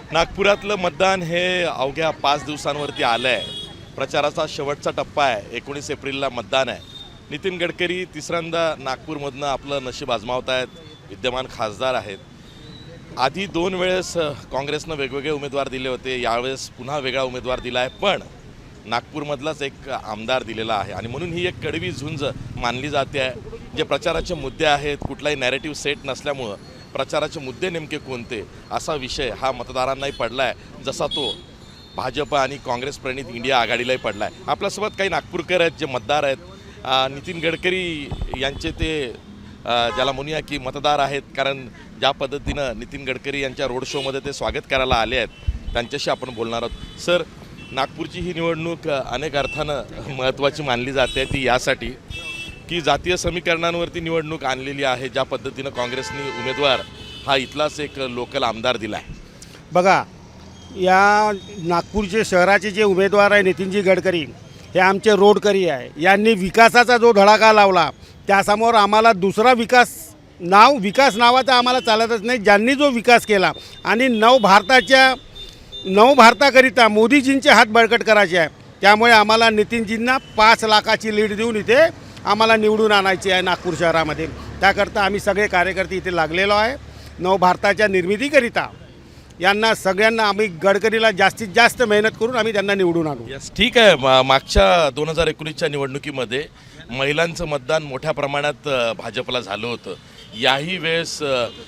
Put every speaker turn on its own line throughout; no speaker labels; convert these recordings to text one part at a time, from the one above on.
नागपुरातलं मतदान हे अवघ्या 5 दिवसांवरती आलं आहे. प्रचाराचा शेवटचा टप्पा आहे. 19 एप्रिलला मतदान आहे. नितीन गडकरी तिसऱ्यांदा नागपूरमधनं आपलं नशीब आजमावत आहेत. विद्यमान खासदार आहेत. आधी 2 वेळेस काँग्रेसनं वेगवेगळे उमेदवार दिले होते. यावेळेस पुन्हा वेगळा उमेदवार दिला आहे, पण नागपूरमधलाच एक आमदार दिलेला आहे आणि म्हणून ही एक कडवी झुंज मानली जाते आहे. जे प्रचाराचे मुद्दे आहेत, कुठलाही नॅरेटिव्ह सेट नसल्यामुळं प्रचाराचे मुद्दे नेमके कोणते असा विषय हा मतदारांनाही पडला आहे, जसा तो भाजप आणि काँग्रेस प्रणित इंडिया आघाडीलाही पडला आहे. आपल्यासोबत काही नागपूरकर आहेत, जे मतदार आहेत. नितीन गडकरी यांचे ते ज्याला म्हणूया की मतदार आहेत, कारण ज्या पद्धतीनं नितीन गडकरी यांच्या रोड शोमध्ये ते स्वागत करायला आले आहेत, त्यांच्याशी आपण बोलणार आहोत. सर, नागपूरची ही निवडणूक अनेक अर्थानं महत्त्वाची मानली जाते. ती यासाठी की जातीय समीकरणांवरती निवडणूक आणलेली आहे. ज्या पद्धतीनं काँग्रेसने उमेदवार हा इथलाच एक लोकल आमदार दिला आहे.
बघा, या नागपूरचे शहराचे जे उमेदवार आहे नितीनजी गडकरी, हे आमचे रोडकरी आहे. यांनी विकासाचा जो धडाका लावला त्यासमोर आम्हाला दुसरा विकास नावाचा आम्हाला चालतच नाही. ज्यांनी जो विकास केला आणि नव भारताकरिता मोदीजींचे हात बळकट करायचे आहे, त्यामुळे आम्हाला नितीनजींना 5 लाखाची लीड देऊन इथे आम्हाला निवडून आणायची आहे नागपूर शहरामध्ये. त्याकरता आम्ही सगळे कार्यकर्ते इथे लागलेलो आहे. नवभारताच्या निर्मितीकरिता यांना सगळ्यांना आम्ही गडकरीला जास्तीत जास्त मेहनत करून आम्ही त्यांना निवडून आणू.
यस, ठीक आहे. मागच्या 2019च्या निवडणुकीमध्ये महिलांचं मतदान मोठ्या प्रमाणात भाजपला झालं होतं. याही वेळेस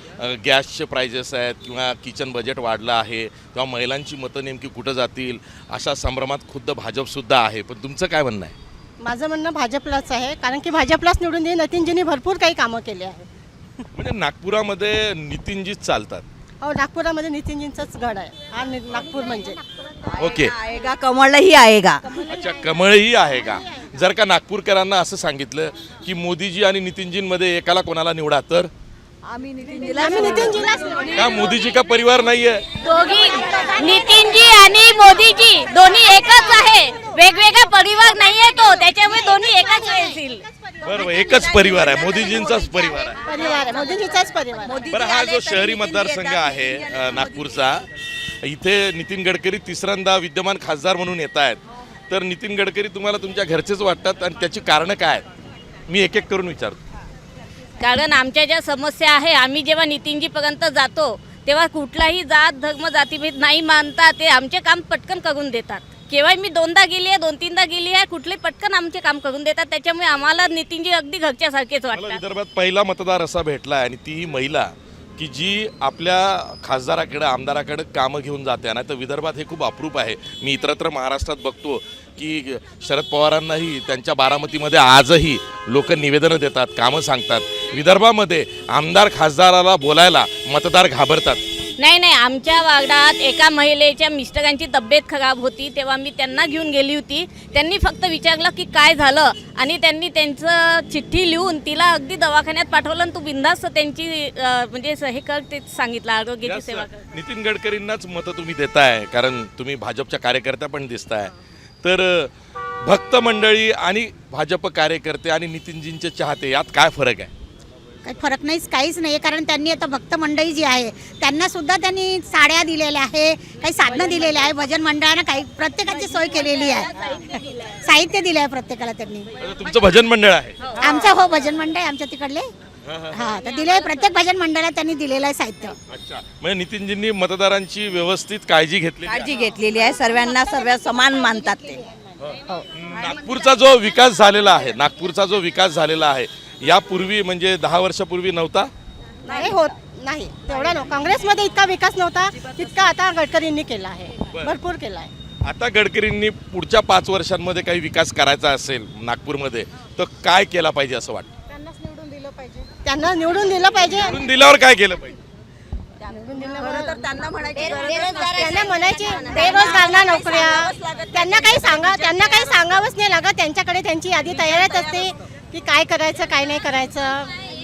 गॅसचे प्राइजेस आहेत किंवा किचन बजेट वाढलं आहे, तेव्हा महिलांची मतं नेमकी कुठं जातील अशा संभ्रमात खुद्द भाजपसुद्धा आहे. पण तुमचं काय म्हणणं आहे?
माझं म्हणणं भाजपलाच आहे, कारण की भाजपलाच निवडून दे. नितीनजींनी भरपूर काही कामं केले आहे.
म्हणजे नागपुरामध्ये नितीनजीच चालतात.
हो, नागपुरामध्ये नितीनजींचाच गड आहे हा नागपूर म्हणजे.
ओके,
आएगा, कमळही आएगा.
अच्छा, कमळही आहे का? जर का नागपूरकरांना असं सांगितलं की मोदीजी आणि नितीनजींमध्ये एकाला कोणाला निवडा, तर
आम्ही
नितीनजीलाच निवडू.
का मोदीजी का परिवार नाहीये?
दोघी नितीनजी आणि मोदीजी दोन्ही एकच आहे, वेगवेगळा परिवार नाहीये तो, त्याच्यामुळे दोन्ही एकच येतील.
बरोबर, एकच परिवार आहे, मोदीजींचाच परिवार आहे.
परिवार आहे, मोदीजीचाच परिवार.
बरं, हा जो शहरी मतदारसंघ आहे नागपूरचा, इथे नितीन गडकरी तिसऱ्यांदा विद्यमान खासदार म्हणून येत आहेत. तर नितीन गडकरी तुम्हाला तुमच्या घरचेच वाटतात आणि त्याची कारणं काय आहेत? मी एक एक करून विचारतो.
कारण आमच्या ज्या समस्या आहे, आम्ही जेव्हा नितीनजीपर्यंत जातो तेव्हा कुठलाही जात धर्म जातीभेद नाही मानता ते आमचे काम पटकन करून देतात. केव्हा मी 2दा गेली आहे, 2-3दा गेली आहे, कुठले पटकन आमचे काम करून देतात. त्याच्यामुळे आम्हाला नितीनजी अगदी घरच्यासारखेच
मला
वाटतात.
विदर्भात पहिला मतदार असा भेटला आहे आणि ती महिला की जी आपल्या खासदाराकडे आमदाराकडे कामं घेऊन जाते. नाही तर विदर्भात हे खूप अप्रूप आहे. मी इतरत्र महाराष्ट्रात बघतो की शरद पवारांनाही त्यांच्या बारामतीमध्ये आजही लोक निवेदनं देतात, कामं सांगतात. विदर्भामध्ये आमदार खासदाराला बोलायला मतदार घाबरतात.
नाही, आमच्या वार्डात एका महिलेच्या मिस्टरांची तब्येत खराब होती, तेव्हा मी त्यांना घेऊन गेली होती. त्यांनी फक्त विचारलं की काय झालं आणि त्यांनी त्यांचं चिठ्ठी लिहून तिला अगदी दवाखान्यात पाठवलं आणि तू बिनधास्त त्यांची म्हणजे हे कर ते सांगितलं, आरोग्याची सेवा कर.
नितीन गडकरींनाच मतं तुम्ही देताय, कारण तुम्ही भाजपच्या कार्यकर्त्या पण दिसताय. तर भक्त मंडळी आणि भाजप कार्यकर्ते आणि नितीनजींचे चाहते यात काय फरक आहे?
काही फरक नाहीच, काहीच नाही. कारण त्यांनी आता भक्त मंडळी जी आहे त्यांना सुद्धा त्यांनी साड्या दिलेल्या आहे, काही साधनं दिलेले आहे. भजन मंडळानं काही प्रत्येकाची सोय केलेली आहे, साहित्य दिलं आहे प्रत्येकाला त्यांनी.
तुमचं भजन मंडळ आहे?
आमचं हो, भजन मंडळ आमच्या तिकडले. हा, तर दिले प्रत्येक भजन मंडळात त्यांनी दिलेलं आहे साहित्य.
अच्छा, म्हणजे नितीनजींनी मतदारांची व्यवस्थित काळजी
घेतलेली आहे. सर्व समान मानतात ते.
नागपूरचा जो विकास झालेला आहे यापूर्वी म्हणजे 10 वर्षापूर्वी नव्हता.
नाही होत नाही तेवढा. काँग्रेसमध्ये इतका विकास नव्हता तितका आता गडकरींनी केला आहे, भरपूर केला आहे.
आता गडकरींनी पुढच्या 5 वर्षांमध्ये काही विकास करायचा असेल नागपूरमध्ये तर काय केला पाहिजे असं वाटतं?
त्यांना निवडून दिलं पाहिजे.
निवडून दिल्यावर काय केलं पाहिजे?
त्यांना
म्हणायचे बेरोजगारांना नोकऱ्या. त्यांना काही सांगावंच नाही लागत. त्यांच्याकडे त्यांची यादी तयारच असते की काय करायचं काय नाही करायचं.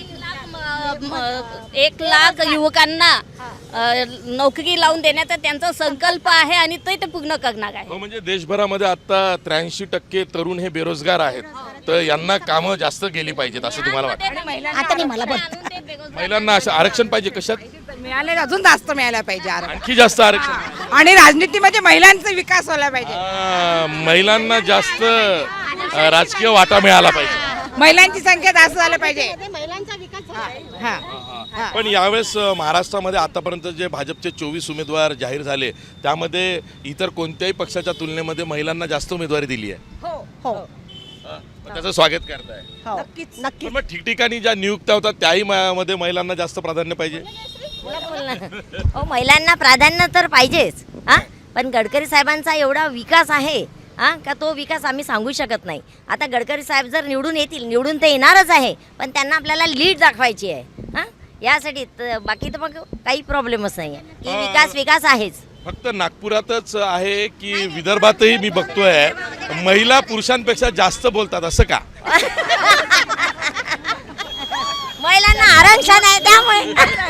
1 लाख युवकांना नोकरी लावून देण्याचा त्यांचा संकल्प आहे आणि ते पूर्ण करणार आहे.
म्हणजे देशभरामध्ये आता 83% तरुण हे बेरोजगार आहेत. तर यांना कामं जास्त गेली पाहिजेत असं तुम्हाला वाटतं?
आता नाही मला
महिलांना असं आरक्षण पाहिजे कशात?
मिळाले अजून जास्त मिळायला पाहिजे आरक्षण.
आणखी जास्त आरक्षण.
आणि राजनीतीमध्ये महिलांचा विकास व्हायला पाहिजे.
महिलांना जास्त राजकीय वाटा मिळाला पाहिजे.
महिलांची संख्या जास्त झाली पाहिजे.
महिलांचा विकास झाला.
हा
पण यावेळेस महाराष्ट्रामध्ये आतापर्यंत जे भाजपचे 24 उमेदवार जाहीर झाले त्यामध्ये इतर कोणत्याही पक्षाच्या तुलनेमध्ये महिलांना जास्त उमेदवारी दिली आहे.
हो
मग त्याचं स्वागत करताय.
नक्कीच
पण मग ठिकठिकाणी ज्या नियुक्त्या होतात त्याही मध्ये महिलांना जास्त प्राधान्य पाहिजे.
हो, महिलांना प्राधान्य तर पाहिजेच हां, पण गडकरी साहेबांचा एवढा विकास आहे हां का तो विकास आम्ही सांगू शकत नाही. आता गडकरी साहेब जर निवडून येतील, निवडून ते येणारच आहे, पण त्यांना आपल्याला लीड दाखवायची आहे हां, यासाठी बाकी तर मग काही प्रॉब्लेमच नाही आहे की विकास आहेच.
फक्त नागपुरातच आहे की विदर्भातही मी बघतोय महिला पुरुषांपेक्षा जास्त बोलतात, असं का?
महिलांना आरक्षण आहे त्यामुळे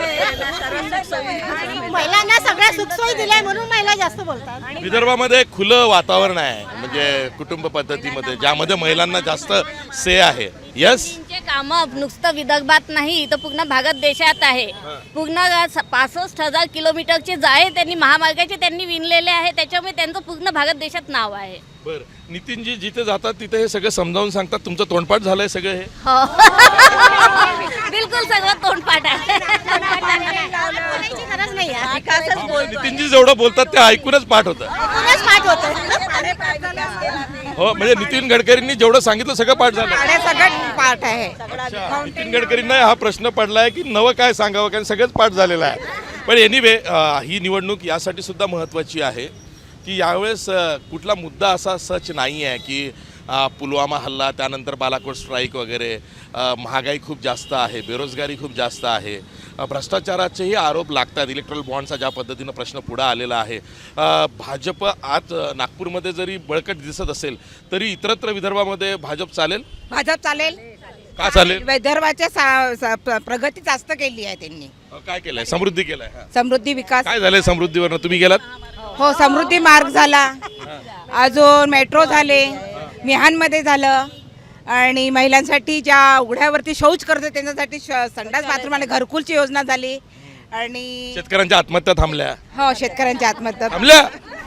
महिलांना सगळ्या सुखसोयी दिल्या म्हणून महिला जास्त बोलतात.
विदर्भामध्ये खुलं वातावरण आहे, म्हणजे कुटुंब पद्धतीमध्ये ज्यामध्ये महिलांना जास्त से आहे. यस,
त्यांचे कामं नुसतं विदर्भात नाही तर पूर्ण भारत देशात आहे. पूर्ण 65,000 किलोमीटरचे जाळे त्यांनी महामार्गाचे त्यांनी विणलेले आहे, त्याच्यामुळे त्यांचं पूर्ण भारत देशात नाव आहे.
बर. नितीनजी जिथे जातात तिथे हे सगळं समजावून सांगतात. तुमचं तोंडपाठ झालंय सगळं हे?
हो बिलकुल सगळं तोंडपाठ आहे.
बोलायची गरज नाही आहे.
नितीनजी जेवढं बोलतात ते ऐकूनच पाठ होतं.
कोणच पाठ होतं.
हो, म्हणजे नितीन गडकरींनी जेवढं सांगितलं सगळं पाठ झालं.
आणि सगळं पाठ आहे.
अच्छा, नितीन गडकरींना हा प्रश्न पडलाय की नवं काय सांगावं, कारण सगळंच पाठ झालेलं आहे. पण एनिवे ही निवडणूक यासाठी सुद्धा महत्त्वाची आहे की यावेळेस कुठला मुद्दा असा सच नाही आहे की पुलवामा हल्ला, त्यानंतर बालाकोट स्ट्राईक वगैरे, महागाई खूप जास्त आहे, बेरोजगारी खूप जास्त आहे, भ्रष्टाचाराचेही आरोप लागतात, इलेक्ट्रल बॉन्डचा ज्या पद्धतीनं प्रश्न पुढे आलेला आहे. भाजप आज नागपूरमध्ये जरी बळकट दिसत असेल तरी इतरत्र विदर्भामध्ये भाजप चालेल.
भाजप चालेल.
का चालेल?
विदर्भाच्या प्रगती जास्त केली आहे त्यांनी.
काय केलंय? समृद्धी केलंय.
समृद्धी विकास.
काय झालंय समृद्धीवरनं? तुम्ही गेलात?
हो, समृद्धी मार्ग झाला, अजून मेट्रो झाले, मिहानमध्ये झालं, आणि महिलांसाठी ज्या उघड्यावरती शौच करते त्यांच्यासाठी संडास बाथरूम आणि घरकुलची योजना झाली. आणि
शेतकऱ्यांच्या आत्महत्या थांबल्या.
हो, शेतकऱ्यांच्या आत्महत्या
थांबल्या.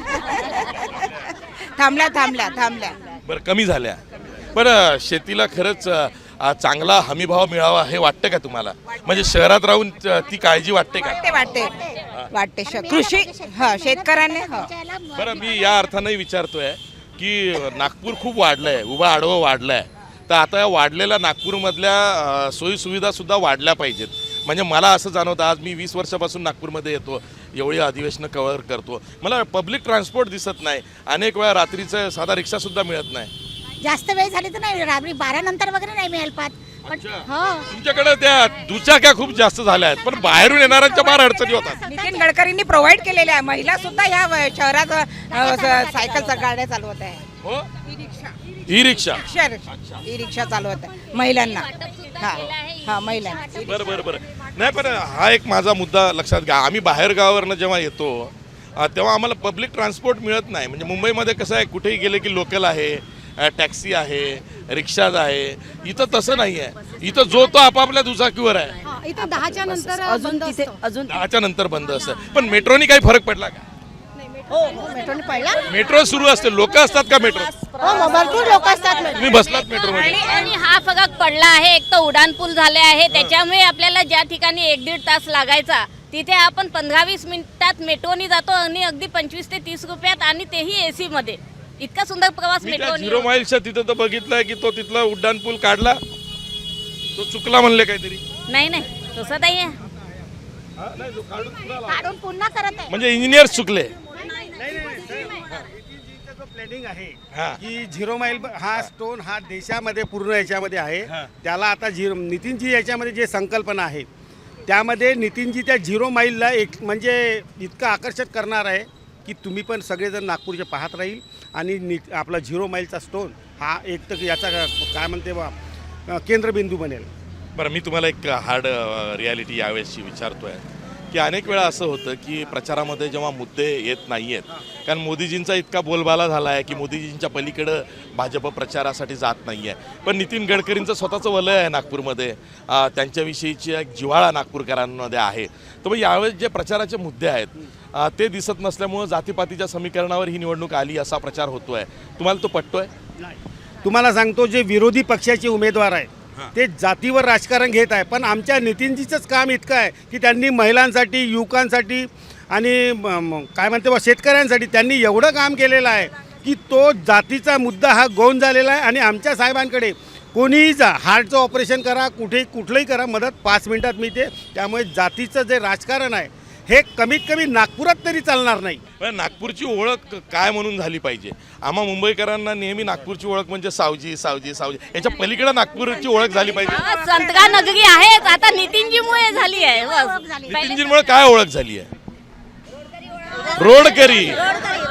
थांबल्या.
बरं, कमी झाल्या. पण शेतीला खरंच चांगला हमीभाव मिळावा हे वाटतं का तुम्हाला? म्हणजे शहरात राहून ती काळजी वाटते का?
वाटते कृषी शेतकऱ्यांनी.
बरं, मी या अर्थाने विचारतोय की नागपूर खूप वाढलंय, उभा आडवं वाढलंय, तर आता या वाढलेल्या नागपूरमधल्या सोयीसुविधा सुद्धा वाढल्या पाहिजेत. म्हणजे मला असं जाणवतं, आज मी 20 वर्षापासून नागपूरमध्ये येतो, एवढी अधिवेशनं कव्हर करतो, मला पब्लिक ट्रान्सपोर्ट दिसत नाही. अनेक वेळा रात्रीचं साधा रिक्षासुद्धा मिळत नाही.
जास्त वेळ झाली तर नाही, रात्री 12 नंतर वगैरे नाही मिळेल पाहत. पण हो,
तुमच्याकडे त्या दुचाक्या खूप जास्त झाल्या आहेत, पण बाहेरून येणाऱ्यांच्या फार अडचणी होतात.
नितीन गडकरींनी प्रोव्हाइड केलेल्या आहे. महिला सुद्धा या शहरात सायकलच्या गाड्या चालवत आहे.
हो, ई रिक्षा
ई रिक्षा चालवत आहे महिलांना. हा महिलांना.
बरं. नाही, पण हा एक माझा मुद्दा लक्षात घ्या. आम्ही बाहेर गावावरनं जेव्हा येतो तेव्हा आम्हाला पब्लिक ट्रान्सपोर्ट मिळत नाही. म्हणजे मुंबईमध्ये कसं आहे, कुठेही गेले की लोकल आहे, टॅक्सी आहे, रिक्षाज आहे. इथं तसं नाही आहे. इथं जो तो आपापल्या दुचाकीवर आहे.
इथं 10च्या नंतर बंद असतं.
10च्या नंतर बंद असतं. पण मेट्रोनी काही फरक पडला का?
हो, मेट्रोने पडला.
मेट्रो सुरू असते, लोक असतात का मेट्रो?
हो, भरपूर लोक असतात.
तुम्ही बसलात मेट्रोमध्ये?
आणि हा फरक पडला आहे. एक तर उड्डाणपूल झाले आहे, त्याच्यामुळे आपल्याला ज्या ठिकाणी 1-1.5 तास लागायचा तिथे आपण 15-20 मिनिटात मेट्रोनी जातो आणि अगदी 25 ते 30 रुपयात, आणि तेही एसी मध्ये. इतका सुंदर प्रवास
मी त्या
मेट्रोनी.
0 माईलच्या तिथं तर बघितलंय की तो तिथला उड्डाणपूल काढला, तो चुकला म्हणले काहीतरी.
नाही तसं नाही आहे.
काढून पुन्हा करत आहे.
म्हणजे इंजिनियर्स चुकले.
प्लॅनिंग आहे
हा.
की 0 माईल हा स्टोन हा देशामध्ये पूर्ण याच्यामध्ये आहे. त्याला आता नितीनजी याच्यामध्ये जे संकल्पना आहे त्यामध्ये नितीनजी त्या 0 माईलला एक म्हणजे इतकं आकर्षक करणार आहे की तुम्ही पण सगळेजण नागपूरचे पाहत राहील. आणि आपला 0 माईलचा स्टोन हा एक तर याचा काय म्हणते बा केंद्रबिंदू बनेल.
बरं, मी तुम्हाला एक हार्ड रियालिटी यावेळेसची विचारतोय की अनेक वेळा असं होतं की प्रचारामध्ये जेव्हा मुद्दे येत नाही आहेत, कारण मोदीजींचा इतका बोलबाला झाला आहे की मोदीजींच्या पलीकडं भाजप प्रचारासाठी जात नाही आहे. पण नितीन गडकरींचं स्वतःचं वलय आहे नागपूरमध्ये, त्यांच्याविषयीची एक जिव्हाळा नागपूरकरांमध्ये आहे. तर मग यावेळेस जे प्रचाराचे मुद्दे आहेत ते दिसत नसल्यामुळं जातीपातीच्या समीकरणावर ही निवडणूक आली असा प्रचार होतो आहे. तुम्हाला तो पटतोय?
तुम्हाला सांगतो, जे विरोधी पक्षाचे उमेदवार आहे ते जातीवर राजकारण घेत आहे, पण आमच्या नितीनजीचंच काम इतकं आहे की त्यांनी महिलांसाठी, युवकांसाठी आणि काय म्हणते बा शेतकऱ्यांसाठी त्यांनी एवढं काम केलेलं आहे की तो जातीचा मुद्दा हा गौण झालेला आहे. आणि आमच्या साहेबांकडे कोणीही जा, हार्टचं ऑपरेशन करा, कुठलंही करा, मदत 5 मिनिटात मिळते. त्यामुळे जातीचं जे राजकारण आहे हे कमीत कमी नागपुरात तरी चालणार नाही.
पण नागपूरची ओळख काय म्हणून झाली पाहिजे? आम्हा मुंबईकरांना नेहमी नागपूरची ओळख म्हणजे सावजी सावजी सावजी, याच्या पलीकडे नागपूरची ओळख झाली पाहिजे.
संतगा नगरी आहेच, आता नितीनजीमुळे झाली आहे. बस.
नितीनजींमुळे काय ओळख झाली आहे? रोडकरी.